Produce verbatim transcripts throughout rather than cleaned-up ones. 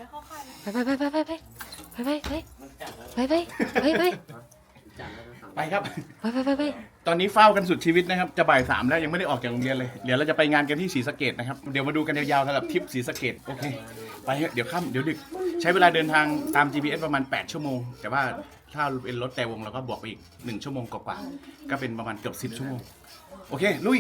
ไปเข้าค่ายไปไปไปไปไปไปไปไปไปไปไปไปไปครับไปไปไปไปตอนนี้เฝ้ากันสุดชีวิตนะครับจะบ่ายสามแล้วยังไม่ได้ออกจากโรงเรียนเลยเดี๋ยวเราจะไปงานกันที่ศรีสะเกษนะครับเดี๋ยวมาดูกันยาวๆสำหรับทริปศรีสะเกษโอเคไปเถอะเดี๋ยวค่ำเดี๋ยวดึกใช้เวลาเดินทางตาม จี พี เอส ประมาณแปดชั่วโมงแต่ว่าถ้าเป็นรถแต่วงเราก็บวกไปอีกหนึ่งชั่วโมงกว่าๆก็เป็นประมาณเกือบสิบชั่วโมงโอเคลุย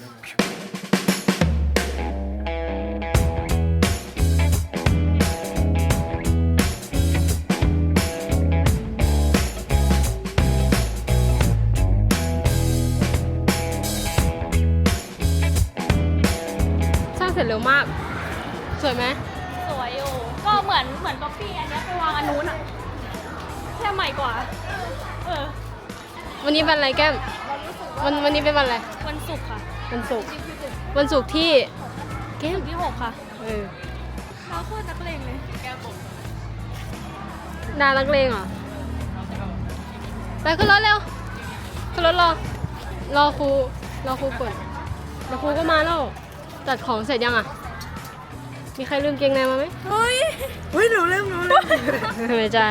เสร็จเร็วมากสวยไหมสวยอยู่ก็เหมือนเหมือนก๊อปปี้อันนี้ไปวางอันนู้นอ่ะแค่ใหม่กว่าเออวันนี้เป็นอะไรแก้มวันวันนี้เป็นวันอะไรวันศุกร์ค่ะวันศุกร์วันศุกร์ที่แก้มที่หกค่ะเออเราโคตรนักเลงเลยแก้มผมดานักเลงเหรอไปขึ้นรถเร็วขึ้นรถรอรอครูรอครูก่อนเดี๋ยวครูก็มาแล้วจัดของเสร็จยังอ่ะมีใครลืมเกงในมาไหมเฮ้ยเฮ้ยหนูลืมหนูลืมไม่ใช่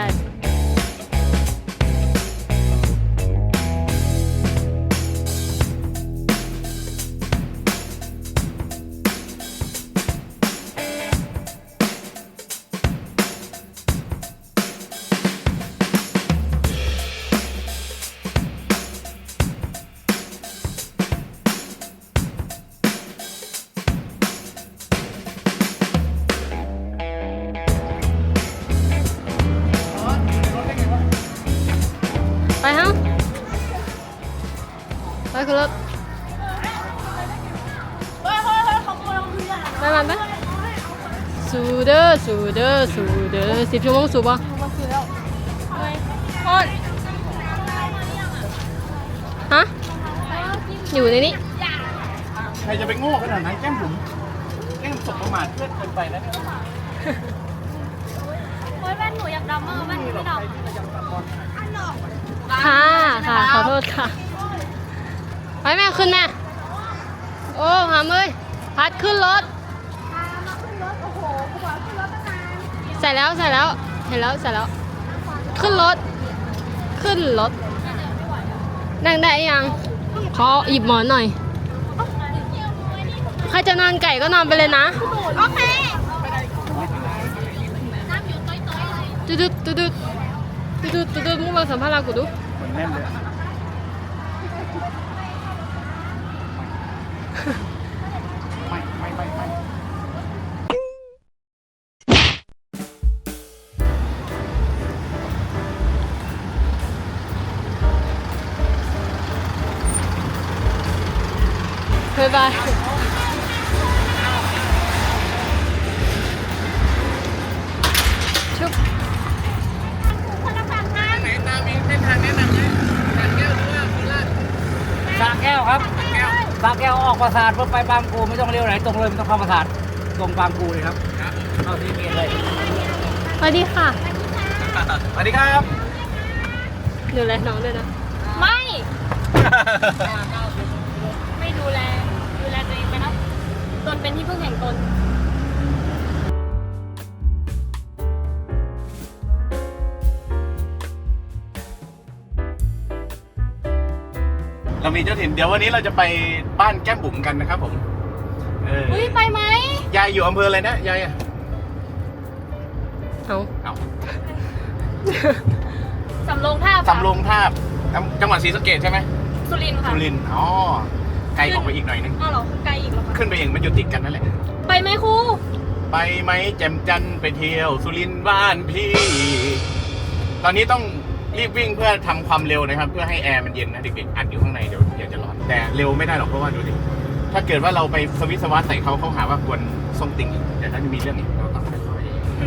ไปฮะไปขึ้นรถเฮ้ยเฮ้ยเฮ้ยเขาโกงเราคืออะไรไปมันไปสูเด้อสูเด้อสูเด้อสิบชั่วโมงสูบป่ะมาคือแล้วเฮ้ยโคตรฮะอยู่ในนี้ใครจะไปโง่ขนาดนั้นแก้มผมแก้มสบประมาทเพื่อนเกินไปแล้วเนี่ยเฮ้ยแว่นหนูอยากดำมากแว่นหนูไม่ดำค่ะค่ะขอโทษค่ะไปแม่ขึ้นแม่โอ้หามเลยพัดขึ้นรถใส่แล้วใส่แล้วเห็นแล้วใส่แล้วขึ้นรถขึ้นรถนั่งได้ยังขอหยิบหมอนหน่อยใครจะนอนไก่ก็นอนไปเลยนะโอเคตุ๊ดตุ๊ดตุ๊ดตุ๊ดตุ๊ดตุ๊ดมึงมาสัมภาษณ์กูดูมันแน่นเลยไม่ไม่ไม่ไม่บ๊ายบายชุบไหนตามมีเส้นทางแนะนำไหมสระแก้วหรือว่าโคราชสระแก้วครับสระแก้วออกปราสาทเพื่อไปบางปูไม่ต้องเลี้ยวไหนตรงเลยไม่ต้องเข้าปราสาทตรงบางปูเลยครับเข้าที่เมนเลยสวัสดีค่ะสวัสดีครับดูแลน้องด้วยนะไม่ ไม่ดูแล ดูแลตัวเองไปนะตนเป็นที่พึ่งแห่งตนเรามีเจ้าถิ่นเดี๋ยววันนี้เราจะไปบ้านแก้มบุ๋มกันนะครับผมเอออุ้ยไปไหมยายอยู่อำเภออะไรนะยายอะเอาเอาสำโรงท่าสำโรงทาบจังหวัดศรีสะเกษใช่ไหมสุรินทร์ค่ะสุรินทร์อ๋อไกลออกไปอีกหน่อยนึงอ้าวเหรอคือไกลอีกเหรอคะขึ้นไปเองมันอยู่ติดกันนั่นแหละไปไหมครูไปไหมแจ่มจันทร์ไปเที่ยวสุรินทร์บ้านพี่ ตอนนี้ต้องรีบวิ่งเพื่อทำความเร็วนะครับ เพื่อให้แอร์มันเย็นนะเด็กๆอัดอยู่ข้างในเดี๋ยวเดี๋ยวจะร้อนแต่เร็วไม่ได้หรอกเพราะว่าดูดิถ้าเกิดว่าเราไปสวิตสวัสใส่เขาเขาหาว่ากวนส่งติ่งอีกเดี๋ยวถ้าจะมีเรื่องอีกเราต้องค่อย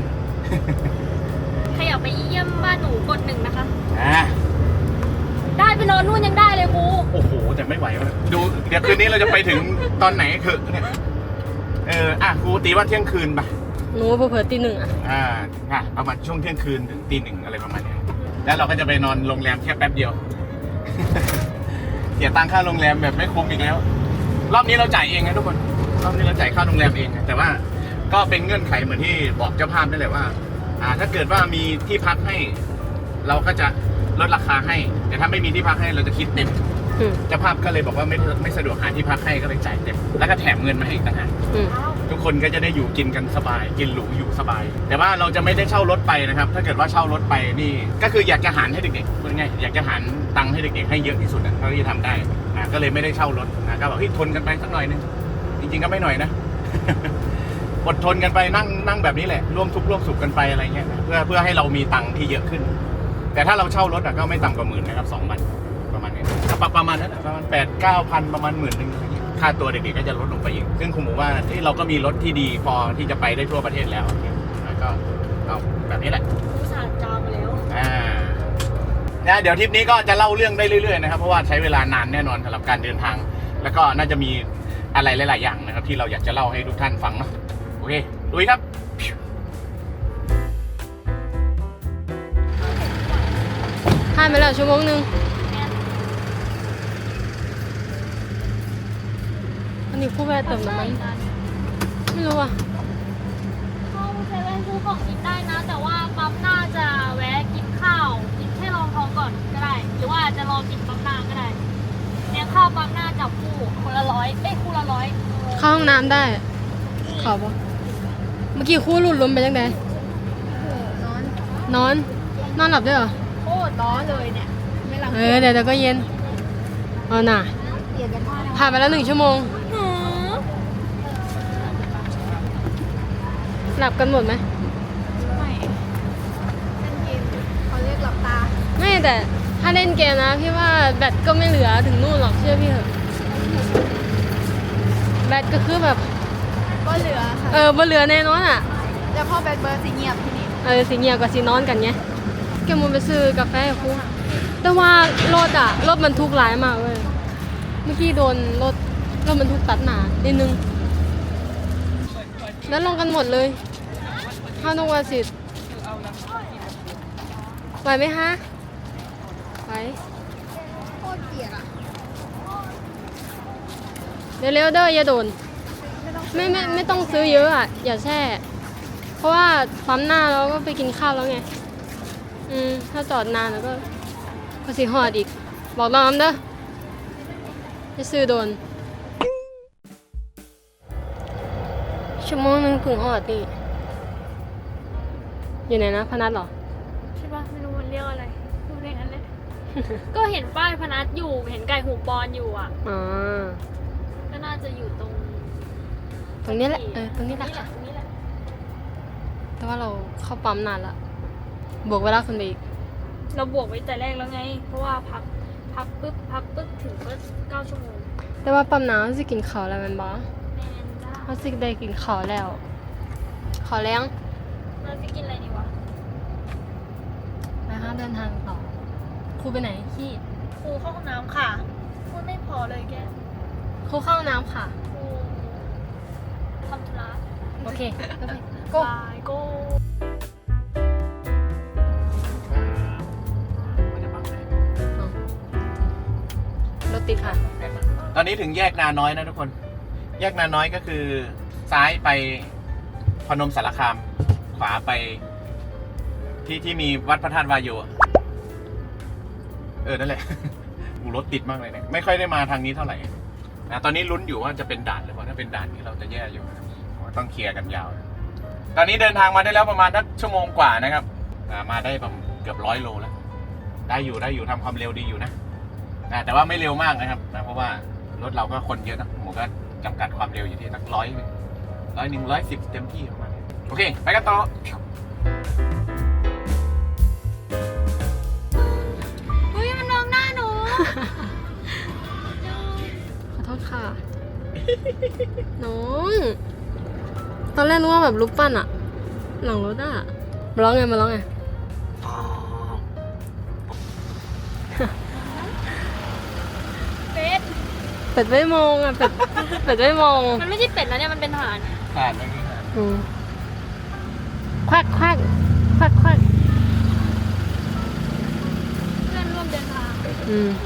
ใครอยากไปเยี่ยมบ้านหนูกดหนึ่งนะคะๆอ่าได้ไปนอนนู่นยังได้เลยครูโอ้โหแต่ไม่ไหววะดูเดี๋ยวคืนนี้เราจะไปถึงตอนไหนคือเนี่ยเอออ่ะครูตีว่าเที่ยงคืนป่ะหนูเผื่อๆตีหนึ่งอ่ะอ่าอ่ะประมาณช่วงเที่ยงคืนถึงตีหนึ่งอะไรประมาณนี้แล้วเราก็จะไปนอนโรงแรมแค่แป๊บเดียว เสียตังค่าโรงแรมแบบไม่คุ้มอีกแล้ว รอบนี้เราจ่ายเองนะทุกคนรอบนี้เราจ่ายค่าโรงแรมเองนะแต่ว่าก็เป็นเงื่อนไขเหมือนที่บอกเจ้าภาพได้เลยว่า อ่า ถ้าเกิดว่ามีที่พักให้ เราก็จะลดราคาให้ แต่ถ้าไม่มีที่พักให้เราจะคิดเต็มอืมเจ้าภาพก็เลยบอกว่าไม่ไม่สะดวกหาที่พักให้ก็เลยจ่ายเต็ม แล้วก็แถมเงินมาให้อีกต่างหากอืมทุกคนก็จะได้อยู่กินกันสบาย กินหรูอยู่สบาย แต่ว่าเราจะไม่ได้เช่ารถไปนะครับ ถ้าเกิดว่าเช่ารถไปนี่ก็คืออยากจะหารให้เด็กๆพูดง่ายๆอยากจะหารตังค์ให้เด็กๆให้เยอะที่สุดนะเท่าที่จะทำได้อ่าก็เลยไม่ได้เช่ารถอ่าก็บอกเฮ้ยทนกันไปสักหน่อยนึงจริงๆก็ไม่หน่อยนะ อดทนกันไปนั่งนั่งแบบนี้แหละร่วมทุกข์ร่วมสุขกันไปอะไรเงี้ยเพื่อเพื่อให้เรามีตังค์ที่เยอะขึ้น แต่ถ้าเราเช่ารถอะก็ไม่ต่ำกว่าหมื่นนะครับสองวันประมาณนี้ประประมาณนั้นอะประมาณแปดเก้าพันประมาณหมื่นหนึ่งอะไรเงี้ยค่าตัวเด็กๆก็จะลดลงไปอีกซึ่งคุณหมูว่าที่เราก็มีรถที่ดีพอที่จะไปได้ทั่วประเทศแล้วแล้วก็เอาแบบนี้แหละผู้สานจองไปแล้วอ่านะเดี๋ยวทริปนี้ก็จะเล่าเรื่องได้เรื่อยๆนะครับเพราะว่าใช้เวลานานแน่นอนสำหรับการเดินทาง แล้วก็น่าจะมีอะไรหลายๆอย่างนะครับที่เราอยากจะเล่าให้ทุกท่านฟังเนาะโอเคลุยครับผ่านไปแล้วชั่วโมงหนึงอันนี้คู่แวะเติมน้ำมันไม่รู้อ่ะเข้าเซเว่นซื้อของกินได้นะ แต่ว่าปั๊มหน้าจะแวะกินข้าวกินแค่รองท้องก่อนก็ได้ หรือว่าจะรอกินปั๊มหน้าก็ได้เนี่ยข้าวปั๊มหน้าจับคู่คนละร้อยเอ้ยคู่ละร้อยเข้าห้องน้ำได้ขอปะเมื่อกี้คู่หลุดลมไปยังไงนอนนอนนอนหลับด้วยเหรอโคตรร้อนเลยเนี่ยไม่หลังเออเดี๋ยวเดี๋ยวก็เย็นเอาหน่ะเปลี่ยนกันว่าผ่านไปแล้วหนึ่งชั่วโมงหลับกันหมดไหมไม่เล่นเกมเขาเรียกหลับตาไม่แต่ถ้าเล่นเกมนะพี่ว่าแบตก็ไม่เหลือถึงนู่นหรอกเชื่อพี่เถอะแบตก็คือแบบก็เหลือค่ะเออบ่เหลือแน่นอนอ่ะแต่พ่อแบดเบิร์ดสีเงียบที่นี่เออสิเงียบกับสินอนกันไงแกมูไปซื้อกาแฟกับครูแต่ว่ารถอ่ะรถมันทุกข์หลายมากเลยเมื่อกี้โดนรถรถมันทุกข์ตัดหนานิดนึงแล้วลงกันหมดเลยห้านกวาสิทธิ์ไหวไหมฮะไหวโคตรเกลียดอ่ะเร็วๆเด้ออย่าโดนไม่ไม่ไม่ต้องซื้อเยอะอ่ะอย่าแช่เพราะว่าปั๊มหน้าเราก็ไปกินข้าวแล้วไงอืมถ้าจอดนานแล้วก็ก็สิหอดอีกบอกน้องเด้อจะซื้อโดนชั่วโมงนึงถึงหอดนี่อยู่ไหนนะพนัสเหรอใช่ปะไม่รู้มันเรียกอะไรพูดอย่างนั้นเลย ก็เห็นป้ายพนัสอยู่เห็นไก่หูปอนอยู่อ่ะอ๋อก็น่าจะอยู่ตรงตรงนี้แหละเออตรงนี้แหละตรงนี้แหละแต่ว่าเราเข้าปั๊มนานละบวกเวลาคนไปอีกเราบวกไว้แต่แรกแล้วไง เพราะว่าพักพักปึ๊บพักปึ๊บถึงก็เก้าชั่วโมงแต่ว่าปั๊มน้ำสิกินข้าวแล้วแมันบอแมนจ้าเขาสิได้กินข้าวแล้วข้าวแรงเราจะกินอะไรดีวะไปห้าเดินทางต่อครูไปไหนขี้ครูเข้าห้องน้ำค่ะพูดไม่พอเลยแกครูเข้าห้องน้ำค่ะครูทำธุระโอเคก็ไปบายโก้รถติดค่ะตอนนี้ถึงแยกนาน้อยนะทุกคน แยกนาน้อยก็คือซ้ายไปพนมสารคาม ขวาไป ที่ที่มีวัดพระธาตุวายโยอะเออนั่นแหละ อูรถติดมากเลยเนี่ยไม่ค่อยได้มาทางนี้เท่าไหร่นะตอนนี้ลุ้นอยู่ว่าจะเป็นด่านหรือเปล่าถ้าเป็นด่านนี้เราจะแย่อยู่นะครับต้องเคลียร์กันยาว ตอนนี้เดินทางมาได้แล้วประมาณสักชั่วโมงกว่านะครับอ่ามาได้ประมาณเกือบร้อยโลแล้ว ได้อยู่ได้อยู่ทำความเร็วดีอยู่นะอ่าแต่ว่าไม่เร็วมากนะครับนะเพราะว่ารถเราก็คนเยอะนะหมูก็จำกัดความเร็วอยู่ที่สักร้อยร้อยหนึ่งร้อยสิบเต็มที่ประมาณนี้โอเคไปกันต่อเฮ้ยมันมองหน้าหนูขอโทษค่ะ น้อง ตอนแรกนึกว่าแบบรูปปั้นอะหลังรถอะมาร้องไงมาร้องไงเป็ดเป็ดไม่มองอะเป็ด เป็ดไม่มองมันไม่ใช่เป็ดนะเนี่ยมันเป็นห่านผ่านเมื่อกี้ผ่านอืมควักควักควักควักเพื่อนร่วมเดินทางอืม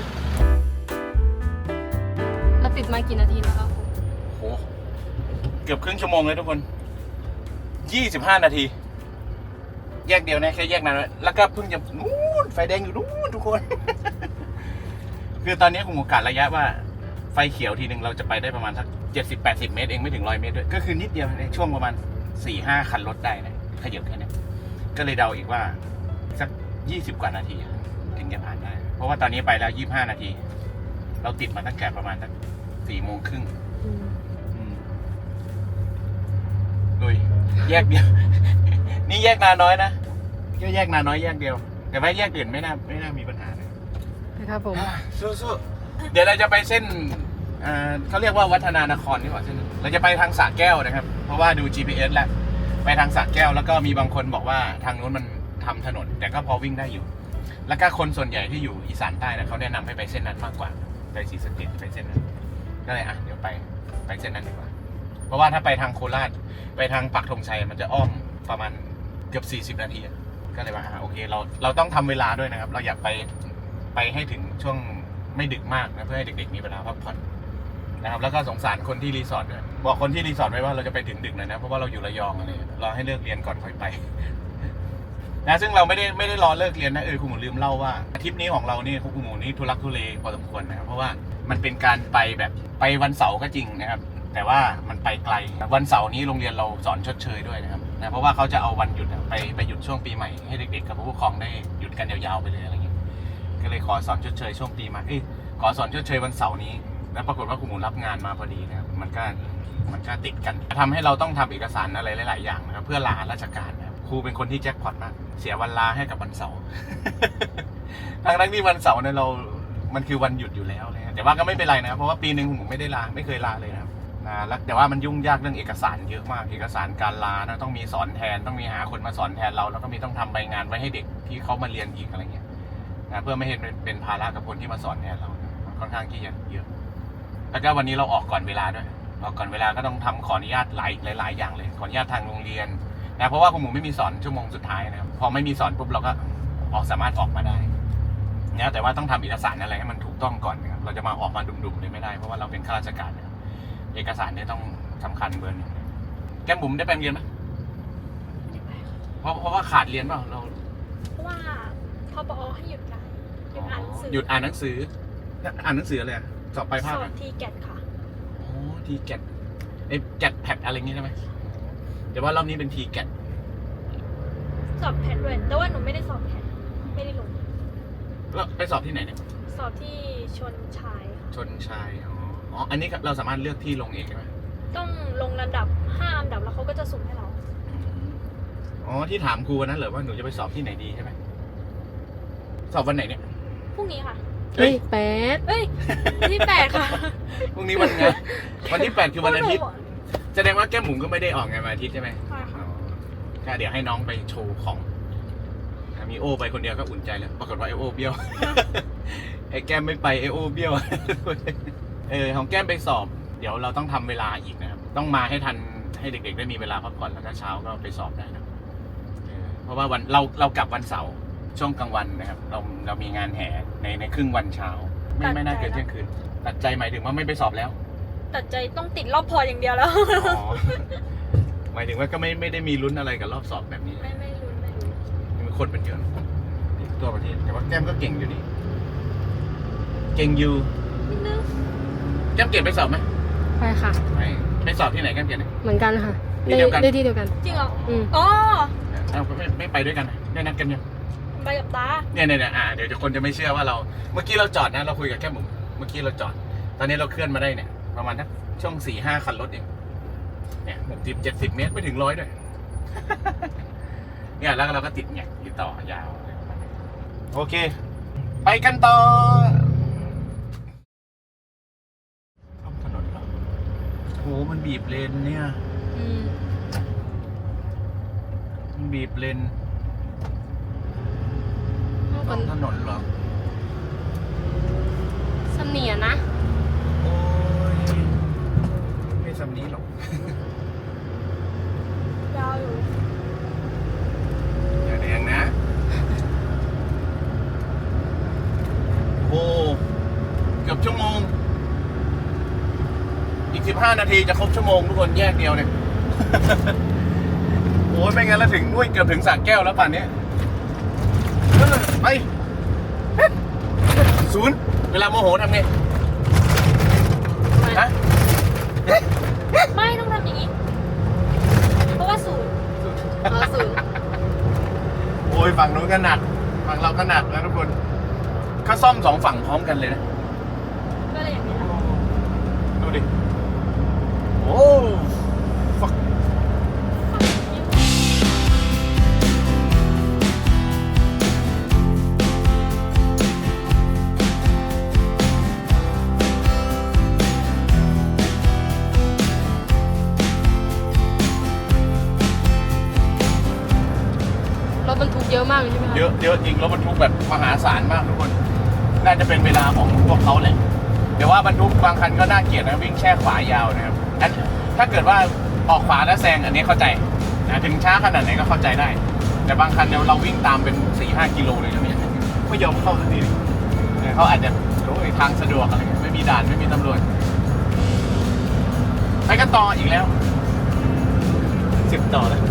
เราติดมากี่นาทีแล้วครับโอ้โหเกือบครึ่งชั่วโมงเลยทุกคนยี่สิบห้านาที แยกเดียวนะแค่แยกนั้นแล้วก็เพิ่งจะนู้นไฟแดงอยู่นู้นทุกคน คือตอนนี้คงโอกาสระยะว่าไฟเขียวทีหนึ่งเราจะไปได้ประมาณสักเจ็ดสิบแปดสิบเมตรเองไม่ถึงร้อยเมตรด้วยก็คือนิดเดียวในช่วงประมาณสี่ห้าคันรถได้นะขยับแค่นี้ก็เลยเดาอีกว่าสักยี่สิบกว่านาทีถึงจะผ่านได้เพราะว่าตอนนี้ไปแล้วยี่สิบห้านาที เราติดมาตั้งแต่ประมาณสักสี่โมงครึ่งโดยแยกเดียว นี่แยกนาน้อยนะก็แยกนาน้อยแยกเดียวแต่ว่าแยกอื่นไม่น่าไม่น่ามีปัญหาเลยนะครับผมสู้ๆเดี๋ยวเราจะไปเส้นอ่าเขาเรียกว่าวัฒนานครนี่หว่าเส้นนั้นเราจะไปทางสระแก้วนะครับ เพราะว่าดู จี พี เอส แล้วไปทางสระแก้วแล้วก็มีบางคนบอกว่าทางนู้นมันทำถนน แต่ก็พอวิ่งได้อยู่ แล้วก็คนส่วนใหญ่ที่อยู่อีสานใต้นะเขาแนะนำให้ไปเส้นนั้นมากกว่าไปศรีสะเกษไปเส้นนั้นก็เลยอ่ะเดี๋ยวไปไปเส้นนั้นดีกว่า เพราะว่าถ้าไปทางโคราชไปทางปักธงชัยมันจะอ้อมประมาณเกือบสี่สิบนาทีก็เลยว่าโอเคเราเราต้องทำเวลาด้วยนะครับ เราอยากไปไปให้ถึงช่วงไม่ดึกมากนะเพื่อให้เด็กๆมีเวลาพักผ่อนนะครับแล้วก็สงสารคนที่รีสอร์ทด้วยบอกคนที่รีสอร์ทไว้ว่าเราจะไปถึงดึกหน่อยนะเพราะว่าเราอยู่ระยองอะไรรอให้เลิกเรียนก่อนค่อยไป นะซึ่งเราไม่ได้ไม่ได้รอเลิกเรียนนะเออคุณหมูลืมเล่าว่าทริปนี้ของเรานี่คุณหมูนี่ทุลักทุเลพอสมควรนะครับเพราะว่ามันเป็นการไปแบบไปวันเสาร์ก็จริงนะครับแต่ว่ามันไปไกลวันเสาร์นี้โรงเรียนเราสอนชดเชยด้วยนะครับนะเพราะว่าเขาจะเอาวันหยุดไปไปหยุดช่วงปีใหม่ให้เด็กๆกับผู้ปกครองได้หยุดกันยาวๆไปเลยอะไรอย่างเงี้ยก็เลยขอสอนชดเชยช่วงปีใหม่เอ้ยขอสอนชดเชยวันเสาร์นี้แล้วปรากฏว่าคุณหมูรับงานมาพอดีนะครับมันก็มันก็ติดกันทำให้เราต้องทำเอกสารอะไรหลายๆอย่างนะครับเพื่อลาราชการนะครับครูเป็นคนที่แจ็คพอตมากเสียวันลาให้กับวันเสาร์ ทั้งนั้นที่วันเสาร์เนี่ยเรา มันคือวันหยุดอยู่แล้วนะแต่ว่าก็ไม่เป็นไรนะเพราะว่าปีหนึ่งผมไม่ได้ลาไม่เคยลาเลยนะครับนะแล้วแต่ว่ามันยุ่งยากเรื่องเอกสารเยอะมากเอกสารการลานะต้องมีสอนแทนต้องมีหาคนมาสอนแทนเราแล้วก็มีต้องทำใบงานไว้ให้เด็กที่เขามาเรียนอีกอะไรเงี้ยนะเพื่อไม่ให้เป็นภาระกับคนที่มาสอนแทนเรามันค่อนข้างที่จะเยอะแล้วก็วันนี้เราออกก่อนเวลาด้วยออกก่อนเวลาก็ต้องทำขออนุญาตหลายหลายๆอย่างเลยขออนุญาตทางโรงเรียนนะเพราะว่าคุณหมูไม่มีสอนชั่วโมงสุดท้ายนะครับพอไม่มีสอนปุ๊บเราก็ออกสามารถออกมาได้นะแต่ว่าต้องทำเอกสารอะไรให้มันถูกต้องก่อนนะครับเราจะมาออกมาดุมๆเลยไม่ได้เพราะว่าเราเป็นข้าราชการนะครับเอกสารเนี่ยต้องสำคัญเบอร์หนึ่งแก้มบุ๋มได้ไปเรียนไหมเพราะเพราะว่าขาดเรียนเปล่าเราเพราะว่าพปอให้หยุดค่ะหยุดอ่านหนังสือหยุดอ่านหนังสืออ่านหนังสืออะไรสอบไปภาคสอบทีแกตค่ะโอ้ทีแกตไอ้แกตแพดอะไรงี้ใช่ไหมแต่ว่ารอบนี้เป็นทีแกตสอบแพทด้วยแต่ว่าหนูไม่ได้สอบแพทไม่ได้ลงแล้วไปสอบที่ไหนเนี่ยสอบที่ชนชายค่ะชนชายอ๋ออ๋ออันนี้เราสามารถเลือกที่ลงเองใช่ไหมต้องลงลำดับห้าลำดับแล้วเขาก็จะสุ่มให้เราอ๋อที่ถามครูวันนั้นเหรอว่าหนูจะไปสอบที่ไหนดีใช่ไหมสอบวันไหนเนี่ยพรุ่งนี้ค่ะเฮ้ยแปดเอ้ยวันที่แปดค่ะพรุ่งนี้วันไงวันที่แปดคือวันอาทิตย์แสดงว่าแก้มหมุนก็ไม่ได้ออกไงวันอาทิตย์ใช่ไหมใช่ค่ะก็เดี๋ยวให้น้องไปโชว์ของมีโอไปคนเดียวก็อุ่นใจแล้วปรากฏว่าไอโอเบี้ยว ไอแก้มไม่ไปไอโอเบี้ยว เออของแก้มไปสอบ เดี๋ยวเราต้องทำเวลาอีกนะครับต้องมาให้ทันให้เด็กๆได้มีเวลาพักผ่อนแล้วก็เช้าก็ไปสอบได้นะเพราะว่าวันเราเรากลับวันเสาร์ช่วงกลางวันนะครับเราเรามีงานแห่ในในครึ่งวันเช้า ไม่ไม่น่าเกินเที่ยงคืนตัดใจหมายถึงว่าไม่ไปสอบแล้วตัดใจต้องติดรอบพออย่างเดียวแล้วอ๋อหมายถึงว่าก็ไม่ไม่ได้มีลุ้นอะไรกับรอบสอบแบบนี้ไม่ไม่รู้ไม่รู้มีคนเป็นเยอะตัวประเทศแต่ว่าแก้มก็เก่งอยู่นี่เก่งอยู่นิดนึงแก้มเก่งไปสอบไหมไปค่ะไปไปสอบที่ไหนแก้มเก่งเนี่ยเหมือนกันค่ะที่เดียวกันได้ที่เดียวกันจริงเหรออืมอ๋อเอาไม่ไม่ไปด้วยกันนะได้นัดกันยังไปกับตาเนี่ยเนี่ยเนี่ยอ่าเดี๋ยวจะคนจะไม่เชื่อว่าเราเมื่อกี้เราจอดนะเราคุยกับแก้มบุ๋มเมื่อกี้เราจอด ตอนนี้เราเคลื่อนมาได้เนี่ยประมาณทักช่วงสี่ห้าคันรถเองเนี่ยหกสิบเจ็ดสิบเมตรไม่ถึงร้อยด้วย เนี่ยแล้วเราก็ติดเนี่ยติดต่อยาวโอเค ไปกันต่อท้องถนนเหรอโหมันบีบเลนเนี่ยอืมมันบีบเลนเอาท้กัอน งถนนเหรอสำเนียนะโอ้ยไม่สำนี้หรอกยาวอยู่อย่าแดงนะ โอ้เกือบชั่วโมง อีกสิบห้านาทีจะครบชั่วโมงทุกคนแยกเดียวเนี่ย แอ้ยไม่งั้นแล้วถึงอุ้ยเกือบถึงสระแก้วแล้วป่านนี้เออไปศูนย์เวลาโมโหทำไงฮะไม่ต้องทำอย่างนี้ เพราะว่าศูนย์เออศูนย์โอ้ยฝั่งนู้นก็หนักฝั่งเราก็หนักนะทุกคนเขาซ่อมสองฝั่งพร้อมกันเลยนะก็เลยอย่างนี้ดูดิโอ้ฟักรถบรรทุกเยอะมากเลยใช่ไหมคะเยอะเยอะจริงรถบรรทุกแบบมหาศาลมากทุกคน น่าจะเป็นเวลาของพวกเขาแหละแต่ว่าบรรทุกบางคันก็น่าเกลียดนะวิ่งแช่ขวายาวนะครับอันถ้าเกิดว่าออกขวาแล้วแซงอันนี้เข้าใจนะถึงช้าขนาดไหนก็เข้าใจได้ แต่บางคันเนี่ยเราวิ่งตามเป็นสี่ห้ากิโลเลยนะเนี่ยไม่ยอมเข้าสักทีเนี่ยเขาอาจจะโอ้ยทางสะดวกอะไรเงี้ยไม่มีด่านไม่มีตำรวจไปกันต่ออีกแล้วสิบต่อแล้ว